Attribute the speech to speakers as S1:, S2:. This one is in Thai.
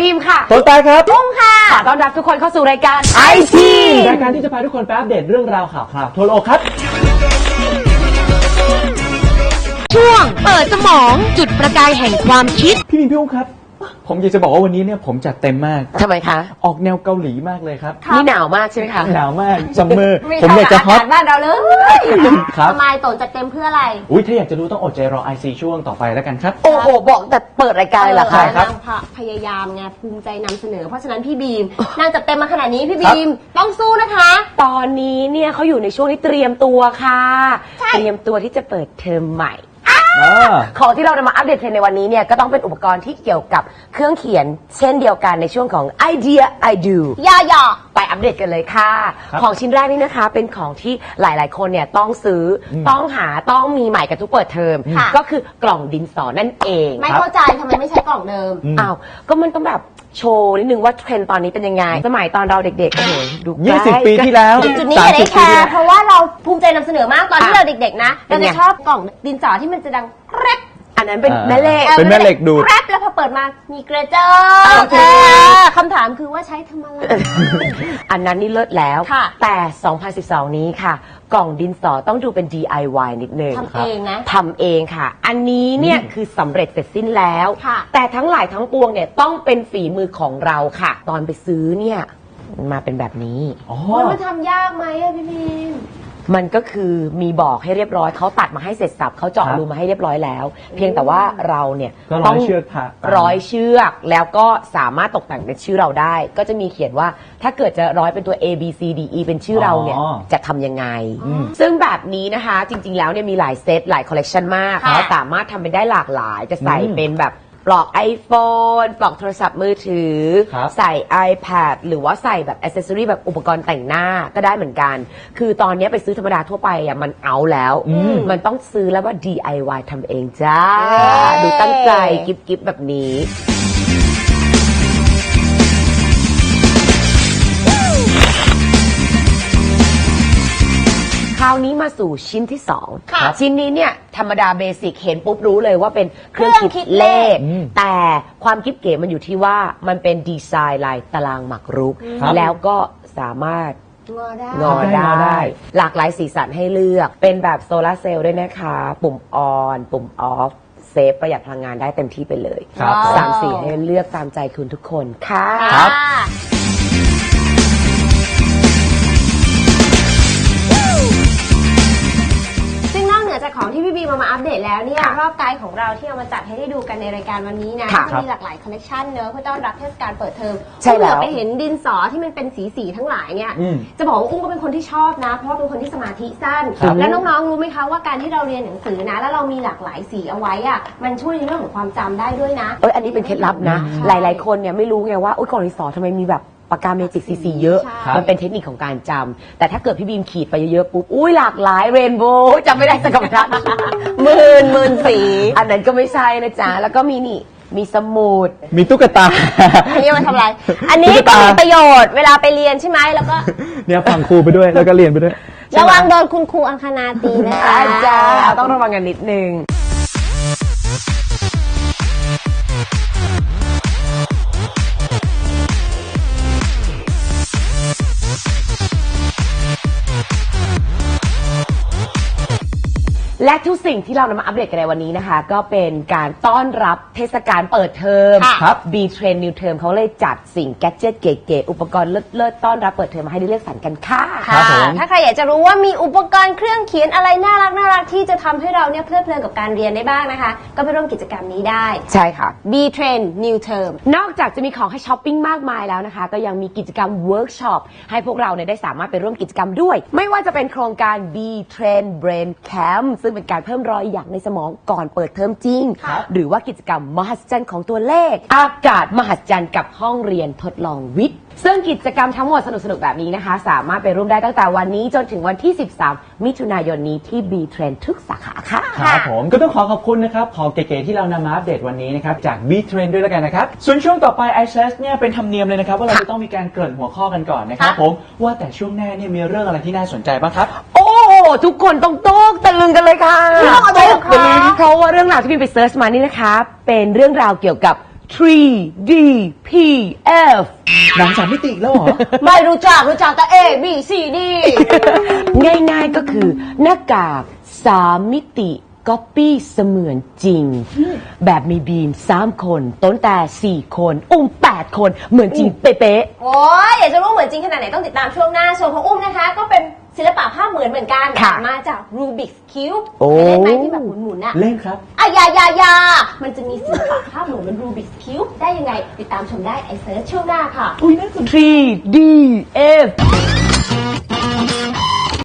S1: บีมค่ะ
S2: ต้นตาครับ
S1: ตุ้งค่ะต้อนรับทุกคนเข้าสู่รายการไอที
S2: รายการที่จะพาทุกคนไปอัปเดตเรื่องราวข่าวทั่วโลกครับ
S1: ช่วงเปิดสมองจุดประกายแห่งความคิด
S2: พี่อุ้งครับผมอยากจะบอกว่าวันนี้เนี่ยผมจัดเต็มมาก
S1: ทำไมคะ
S2: ออกแนวเกาหลีมากเลยครับ
S1: นี่หนาวมากใช่ไหมคะ
S2: หนาวมากซัมเมอร์ผมอยากจะฮอต
S1: บ้านเราเลย
S2: ครับ
S3: ทำไมโตจัดเต็มเพื่ออะไร
S2: อุ้ยถ้าอยากจะรู้ต้องอดใจรอ IC ช่วงต่อไปแล้วกันครับ
S1: โอ้โหบอกแต่เปิดรายการเหรอคะ
S2: ครับ
S3: พยายามไงภูมิใจนำเสนอเพราะฉะนั้นพี่บีมนางจัดเต็มมาขนาดนี้พี่บีมต้องสู้นะคะ
S1: ตอนนี้เนี่ยเขาอยู่ในช่วงที่เตรียมตัวค่ะเตรียมตัวที่จะเปิดเทอมใหม่ของที่เรานำมาอัปเดตเทรนด์ในวันนี้เนี่ยก็ต้องเป็นอุปกรณ์ที่เกี่ยวกับเครื่องเขียนเช่นเดียวกันในช่วงของ Idea I Do
S3: ย่อ
S1: ไปอัปเดตกันเลยค่ะของชิ้นแรกนี่นะคะเป็นของที่หลายๆคนเนี่ยต้องซื้อต้องหาต้องมีใหม่กันทุกเปิดเทอมก็คือกล่องดินสอนั่นเอง
S3: ไม่เข้าใจทำไมไม่ใช้กล่องเดิม
S1: อ้าวก็มันต้องแบบโชว์นิดนึงว่าเทรนด์ตอนนี้เป็นยังไงสมัยตอนเราเด็กๆโอ้โหดู
S2: 20 ปีที่แล้ว
S3: จุดนี้อย่าได้แคร์เพราะว่าเราภูมิใจนำเสนอมากตอนที่เราเด็กๆนะเราจะชอบกล่องดินสอที่มันจะดังแกรบ
S1: อันนั้นเป็นแม่เหล็ก
S2: เป็นแม่เหล็กดูด
S3: แกรบแล้วพอเปิดมามีเกรเจอร์คำถามคือว่าใช้ทำอะไร
S1: อันนั้นนี่เลิศแล้วแต่ 2012 นี้ค่ะกล่องดินสอต้องดูเป็น DIY นิดนึง
S3: ทำเองนะ
S1: ทำเองค่ะอันนี้เนี่ยคือสำเร็จเสร็จสิ้นแล้วแต่ทั้งหลายทั้งปวงเนี่ยต้องเป็นฝีมือของเราค่ะตอนไปซื้อเนี่ยมาเป็นแบบนี้
S3: มันทำยากไหมอะพี่บีม
S1: มันก็คือมีบอกให้เรียบร้อยเขาตัดมาให้เสร็จสับเขาเจาะรูมาให้เรียบร้อยแล้วเพียงแต่ว่าเราเนี่ย
S2: ต้อง
S1: ร้อยเชือกแล้วก็สามารถตกแต่งเป็นชื่อเราได้ก็จะมีเขียนว่าถ้าเกิดจะร้อยเป็นตัว A B C D E เป็นชื่อเราเนี่ยจะทำยังไงซึ่งแบบนี้นะคะจริงๆแล้วเนี่ยมีหลายเซตหลายคอลเลกชันมากแล้วสามารถทำเป็นได้หลากหลายจะใส่เป็นแบบปลอก iPhone ปลอกโทรศัพท์มือถือใส่ iPad หรือว่าใส่แบบอ c เซสซอรี่แบบอุปกรณ์แต่งหน้าก็ได้เหมือนกันคือตอนนี้ไปซื้อธรรมดาทั่วไปอ่ะมันเอาแล้วมันต้องซื้อแล้วว่า DIY ทำเองจ้าดูตั้งใจกิ๊บแบบนี้คราวนี้มาสู่ชิ้นที่2ชิ้นนี้เนี่ยธรรมดาเบสิกเห็นปุ๊บรู้เลยว่าเป็นเครื่องคิดเลขแต่ความคิดเก๋มันอยู่ที่ว่ามันเป็นดีไซน์ลายตารางหมากรุกแล้วก็สามารถงอได้หลากหลายสีสันให้เลือกเป็นแบบโซลาร์เซลล์ด้วยนะคะปุ่มออนปุ่มออฟเซฟประหยัดพลังงานได้เต็มที่ไปเลย3 สีให้เลือกตามใจคุณทุกคนค่ะ
S3: จากของที่พี่บีมาอัปเดตแล้วเนี่ยรอบไกด์ของเราที่เอามาจัดให้ได้ดูกันในรายการวันนี้นะมีหลากหลายคอลเลคชันเนอะเพื่อต้อนรับเทศกาลเปิดเทอมอุ้งเหลือไปเห็นดินสอที่มันเป็นสีทั้งหลายเนี่ยจะบอกว่าอุ้งก็เป็นคนที่ชอบนะเพราะว่าเป็นคนที่สมาธิสั้นแล้วน้องๆรู้ไหมคะว่าการที่เราเรียนหนังสือนะแล้วเรามีหลากหลายสีเอาไว้อะมันช่วยในเรื่องของความจำได้ด้วยนะ
S1: อันนี้เป็นเคล็ดลับนะหลายๆคนเนี่ยไม่รู้ไงว่ากล่องดินสอทำไมมีแบบปากกาเมจิกสีเยอะมันเป็นเทคนิคของการจำแต่ถ้าเกิดพี่บีมขีดไปเยอะๆปุ๊บหลากหลายเรนโบว์จำไม่ได้สักคำหมื่นสีอันนั้นก็ไม่ใช่นะจ๊ะแล้วก็มีสมุด
S2: มีตุ๊กตา
S3: อันนี้มันทำอะไรอันนี้ก็มีประโยชน์เวลาไปเรียนใช่ไหมแล้วก็
S2: เนี่ยฟังครูไปด้วยแล้วก็เรียนไปด้วย
S3: ระวังโดนคุณครูอังคณาตีนะคะ
S1: จ้าต้องระวังกันนิดนึงและทุกสิ่งที่เรานำมาอัปเดตกันในวันนี้นะคะก็เป็นการต้อนรับเทศกาลเปิดเทอมB-Trend New Term เขาเลยจัดสิ่งแกดเจ็ตเก๋ๆอุปกรณ์เลิศๆต้อนรับเปิดเทอมมาให้ได้เลือกสรรกันค่ะ
S3: ถ้าใครอยากจะรู้ว่ามีอุปกรณ์เครื่องเขียนอะไรน่ารักที่จะทำให้เราเนี่ยเพลิดเพลินกับการเรียนได้บ้างนะคะก็ไปร่วมกิจกรรมนี้ได้
S1: ใช่ค่ะ
S3: B-Trend New Term
S1: นอกจากจะมีของให้ช้อปปิ้งมากมายแล้วนะคะก็ยังมีกิจกรรมเวิร์กช็อปให้พวกเราเนี่ยได้สามารถไปร่วมกิจกรรมด้วยไม่ว่าจะเป็นโครงการ B-Trend Brain Camp ซึ่งเป็นการเพิ่มรอยหยักในสมองก่อนเปิดเทอมจริงหรือว่ากิจกรรมมหัศจรรย์ของตัวเลขอากาศมหัศจรรย์กับห้องเรียนทดลองวิทย์ซึ่งกิจกรรมทั้งหมดสนุกๆแบบนี้นะคะสามารถไปร่วมได้ตั้งแต่วันนี้จนถึงวันที่13มิถุนายนนี้ที่ B-Trend ทุกสาขาค่ะ
S2: ครับผมก็ต้องขอบคุณนะครับของเก๋ๆที่เรานำมาอัปเดตวันนี้นะครับจาก B-Trend ด้วยแล้วกันนะครับส่วนช่วงต่อไป iClass เนี่ยเป็นธรรมเนียมเลยนะครับว่าเราจะต้องมีการเกริ่นหัวข้อกันก่อนนะครับผมว่าแต่ช่วงหน้าเนี่ยมีเรื่องอะไรที่น่าสนใจบ้างครับ
S1: ทุกคนต้องตกตะลึงกันเลยค่ะตะลึงเพราะว่าเรื่องราวที่พี่ไปเซิร์ชมานี่นะคะเป็นเรื่องราวเกี่ยวกับ 3D PF
S2: หนัง3 มิติอีกแล้วเหรอ
S3: ไม่รู้จักแต่ A B C D
S1: ง่ายๆก็คือหน้ากาก3 มิติก๊อปปี้เสมือนจริง แบบมีบีม3 คนต้นแต่4 คนอุ้ม8 คนเหมือนจริงเป๊ะ
S3: โอ้ยอยากจะรู้เหมือนจริงขนาดไหนต้องติดตามช่วงหน้าส่วนของอุ้มนะคะ ก็เป็นศิลปะภาพเหมือนกัน
S1: ค่ะ
S3: มาจาก Rubik's Cube
S1: โอ้
S3: ไปเล่นไหมที่แบบหมุนๆอะ
S2: เล่นครับ
S3: ยามันจะมีศิลปะภาพเหมือน Rubik's Cube ได้ยังไง ติดตามชมได้ไอเซิร์ชช่วงหน้าค่ะ
S2: อุ้ยน่าสนใจ
S1: 3DF